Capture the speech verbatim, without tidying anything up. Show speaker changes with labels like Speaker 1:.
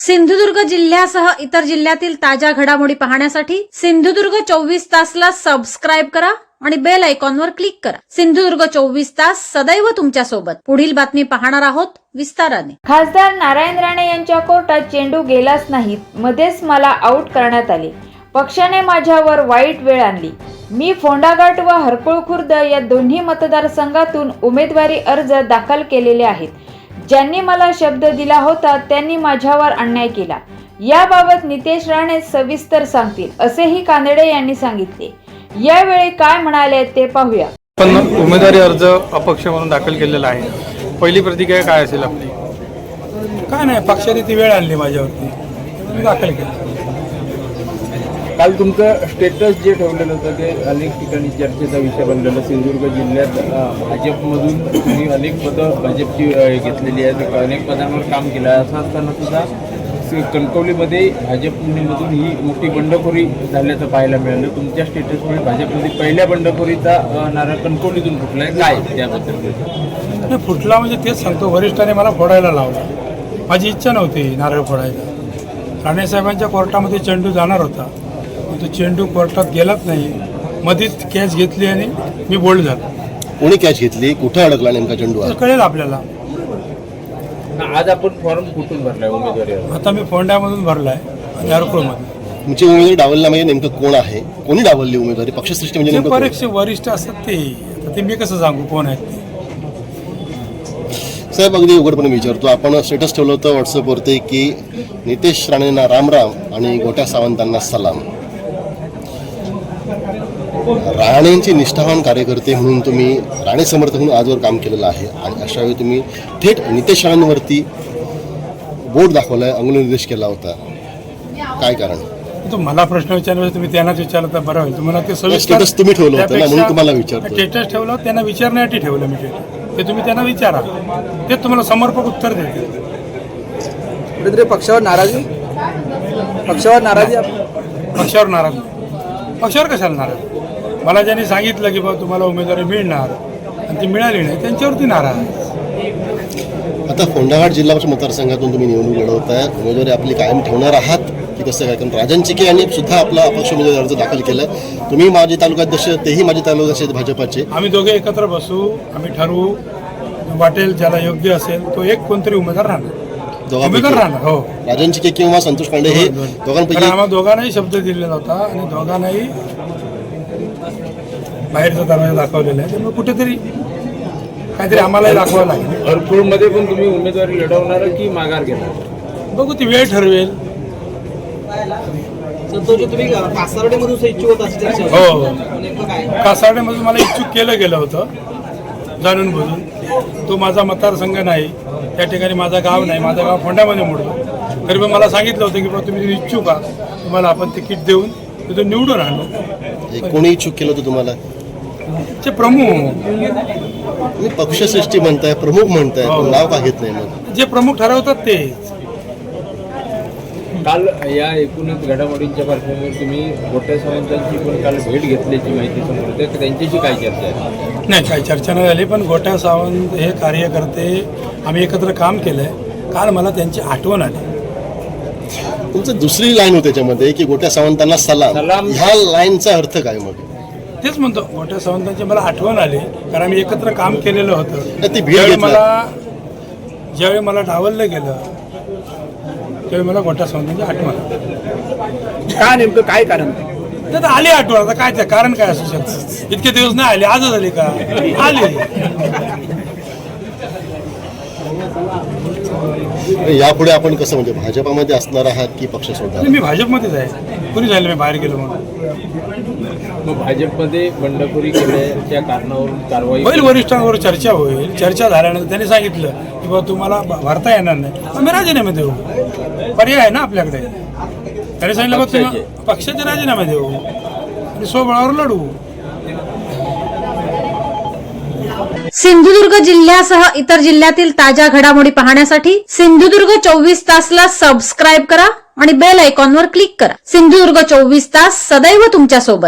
Speaker 1: सिंधुदुर्ग जिल्ह्यासह इतर जिल्ह्यातील ताज्या घडामोडी पाहण्यासाठी सिंधुदुर्ग चोवीस तासला सबस्क्राईब करा आणि बेल आयकॉनवर क्लिक करा। सिंधुदुर्ग चोवीस तास सदैव तुमच्या सोबत। पुढील बातमी पाहणार आहोत विस्ताराने।
Speaker 2: खासदार नारायण राणे यांच्या कोर्टात चेंडू गेलाच नाही, मध्येच मला आउट करण्यात आले। पक्षाने माझ्यावर वाईट वेळ आणली। मी फोंडाघाट व हरकुळ खुर्द या दोन्ही मतदारसंघातून उमेदवारी अर्ज दाखल केलेले आहेत। ज्यांनी मला शब्द दिला होता त्यांनी माझ्यावर अन्याय केला। याबाबत नितेश राणे सविस्तर सांगतील, असेही कानडे यांनी सांगितले। यावेळी काय म्हणाले ते पाहूया।
Speaker 3: पण उमेदवारी अर्ज अपक्ष म्हणून दाखल केलेला आहे, पहिली प्रतिक्रिया काय असेल आपली?
Speaker 4: काय नाही, पक्षाने ती वेळ आणली माझ्यावरती, मी दाखल केलं।
Speaker 5: काल तुमचं स्टेटस जे ठेवलेलं होतं ते अनेक ठिकाणी चर्चेचा विषय बनलेला। सिंधुदुर्ग जिल्ह्यात भाजपमधून तुम्ही अनेक पदं भाजपची घेतलेली आहेत, अनेक पदांवर काम केलं आहे। असं असताना सुद्धा कणकवलीमध्ये भाजपमधून ही मोठी बंडखोरी झाल्याचं पाहायला मिळालं। तुमच्या स्टेटसमुळे भाजपमध्ये पहिल्या बंडखोरीचा नारा कणकवलीतून फुटला आहे, काय त्याबद्दल?
Speaker 4: फुटला म्हणजे तेच सांगतो, वरिष्ठांनी मला फोडायला लावला। माझी इच्छा नव्हती नारळ फोडायला। राणेसाहेबांच्या कोर्टामध्ये चेंडू जाणार होता, तो चेंडू कोर्टात गेलाच नाही, मध्येच कॅच घेतली आणि मी बोल्ड झालो।
Speaker 6: कोणी कॅच घेतली, कुठं अडकला नेमका चेंडू
Speaker 4: कळेल आपल्याला।
Speaker 5: आज आपण फॉर्म कुठून भरलाय उमेदवारी?
Speaker 4: आता मी फोंड्यामधून भरलाय आणि हरकुळमधून।
Speaker 6: तुमची उमेदवारी डावलला म्हणजे नेमकं कोण आहे, कोणी डावलली उमेदवारी? पक्षश्रेष्ठी म्हणजे नेमकं कोण?
Speaker 4: परीक्षा वरिष्ठ असतात ते, आता ते मी कसं सांगू कोण आहेत ते?
Speaker 6: साहेब अगदी उघडपणे विचारतो, आपण स्टेटस ठेवलं होतं व्हॉट्सअपवरती की नितेश राणेंना राम राम आणि गोट्या सावंतांना सलाम। राणेंची निष्ठावान कार्यकर्ते म्हणून तुम्ही राणे समर्थक म्हणून आजवर काम केलेलं आहे आणि अशा वेळी तुम्ही थेट नितेश राणेंवरती बोट दाखवलाय, अंगुलनिर्देश केला होता, काय कारण?
Speaker 4: तो मला प्रश्न विचारला, तुम्ही त्यांनाच विचारलं तर बरं होईल। तुम्हाला ते
Speaker 6: स्टेटस तुम्ही ठेवलं होतं ना, म्हणून तुम्हाला विचारतो।
Speaker 4: स्टेटस ठेवलं, त्यांना विचारण्यासाठी ठेवलं मी स्टेटस, ते तुम्ही त्यांना विचारा, ते तुम्हाला समर्पक उत्तर देतील।
Speaker 7: कुठेतरी पक्षावर नाराजी पक्षावर नाराजी
Speaker 4: पक्षावर नाराज पक्षावर कशाला नाराज? मला ज्यांनी सांगितलं की बाबा तुम्हाला उमेदवारी मिळणार आणि ती मिळाली नाही, त्यांच्यावरती नाराज।
Speaker 6: आता फोंडाघाट जिल्हा परिषद मतदारसंघातून तुम्ही निवडणूक लढवताय, उमेदवारी आपली कायम ठेवणार आहात की कसं काय? कारण राजन चिके यांनी सुद्धा आपला अपक्ष उमेदवारी अर्ज दाखल केलाय। तुम्ही माजी तालुकाध्यक्ष, तेही माजी तालुकाध्यक्ष आहेत भाजपाचे।
Speaker 4: आम्ही दोघे एकत्र बसू, आम्ही ठरवू, वाटेल ज्याला योग्य असेल तो एक कोणतरी उमेदवार राहणार, उमेदवार राहणार। हो,
Speaker 6: राजन चिके किंवा संतोष पांडे हे दोघांपैकी
Speaker 4: आम्हाला दोघांनाही शब्द दिलेला होता आणि दोघांनाही बाहेरचा दरवाजा दाखवलेला आहे, त्यामुळे कुठेतरी काहीतरी आम्हालाही दाखवावं लागेल।
Speaker 5: हरकुळमध्ये पण तुम्ही उमेदवारी लढवणार की माघार घेणार?
Speaker 4: बघू, ती वेळ ठरवेल। हो, कासारडेमधून मला इच्छुक केलं गेलं होतं जाणून बुजून। तो माझा मतदारसंघ नाही, त्या ठिकाणी माझं गाव नाही, माझं गाव फोंड्यामध्ये मोडलं। तरी पण मला सांगितलं होतं की बाबा तुम्ही इच्छुक आहात, तुम्हाला आपण तिकीट देऊन तिथून निवडून आणू।
Speaker 6: कोणी इच्छुक केलं होतं तुम्हाला?
Speaker 4: ते प्रमुख,
Speaker 6: तुम्ही पक्षश्रेष्ठी म्हणताय, प्रमुख म्हणताय, पण नाव का घेत नाही? मग
Speaker 4: जे प्रमुख ठरवतात तेच।
Speaker 5: काल या एकूणच घडामोडींच्या पार्श्वभूमीवर तुम्ही गोट्या सावंतांची पण काल भेट घेतल्याची माहिती समोर येते, त्यांच्याशी काय चर्चा आहे?
Speaker 4: नाही, काही चर्चा नाही झाली, पण गोट्या सावंत हे कार्यकर्ते आम्ही एकत्र काम केलंय। काल मला त्यांची आठवण आली।
Speaker 6: तुमचं दुसरी लाईन होती त्याच्यामध्ये की गोट्या सावंतांना सलाम, ह्या लाईनचा अर्थ काय? मग
Speaker 4: तेच म्हणतो, गोट्या सावंतांची मला आठवण आली, कारण आम्ही एकत्र काम केलेलं होतं।
Speaker 6: ती भेट
Speaker 4: ज्यावेळी
Speaker 6: घेतला.
Speaker 4: मला ज्यावेळी मला डावललं गेलं त्यावेळी मला गोट्या सावंतांची आठवण आली।
Speaker 7: काय नेमकं काय कारण?
Speaker 4: तर आली आठवण, आता काय ते कारण काय असू शकतं? इतके दिवस नाही आले, आजच आली का? आली।
Speaker 6: यापुढे आपण कसं, म्हणजे भाजपामध्ये असणार आहात की पक्ष सोडणार?
Speaker 4: मी भाजपमध्येच आहे, कुणी झालं मी बाहेर गेलो म्हणून।
Speaker 5: मग भाजपमध्ये बंडखोरी केल्याच्या कारणावरून कारवाई
Speaker 4: होईल, वरिष्ठांवर चर्चा होईल। चर्चा झाल्यानंतर त्यांनी सांगितलं की बाबा तुम्हाला भरता येणार नाही, आम्ही राजीनामे देऊ, पर्याय आहे ना आपल्याकडे। त्यांनी सांगितलं बाबा तुम्ही पक्षाचे राजीनामे देऊ आणि स्वबळावर लढू।
Speaker 1: सिंधुदुर्ग जिल्ह्यासह इतर जिल्ह्यातील ताज्या घडामोडी पाहण्यासाठी सिंधुदुर्ग चोवीस तासला सबस्क्राईब करा आणि बेल आयकॉनवर क्लिक करा। सिंधुदुर्ग चोवीस तास सदैव तुमच्या सोबत।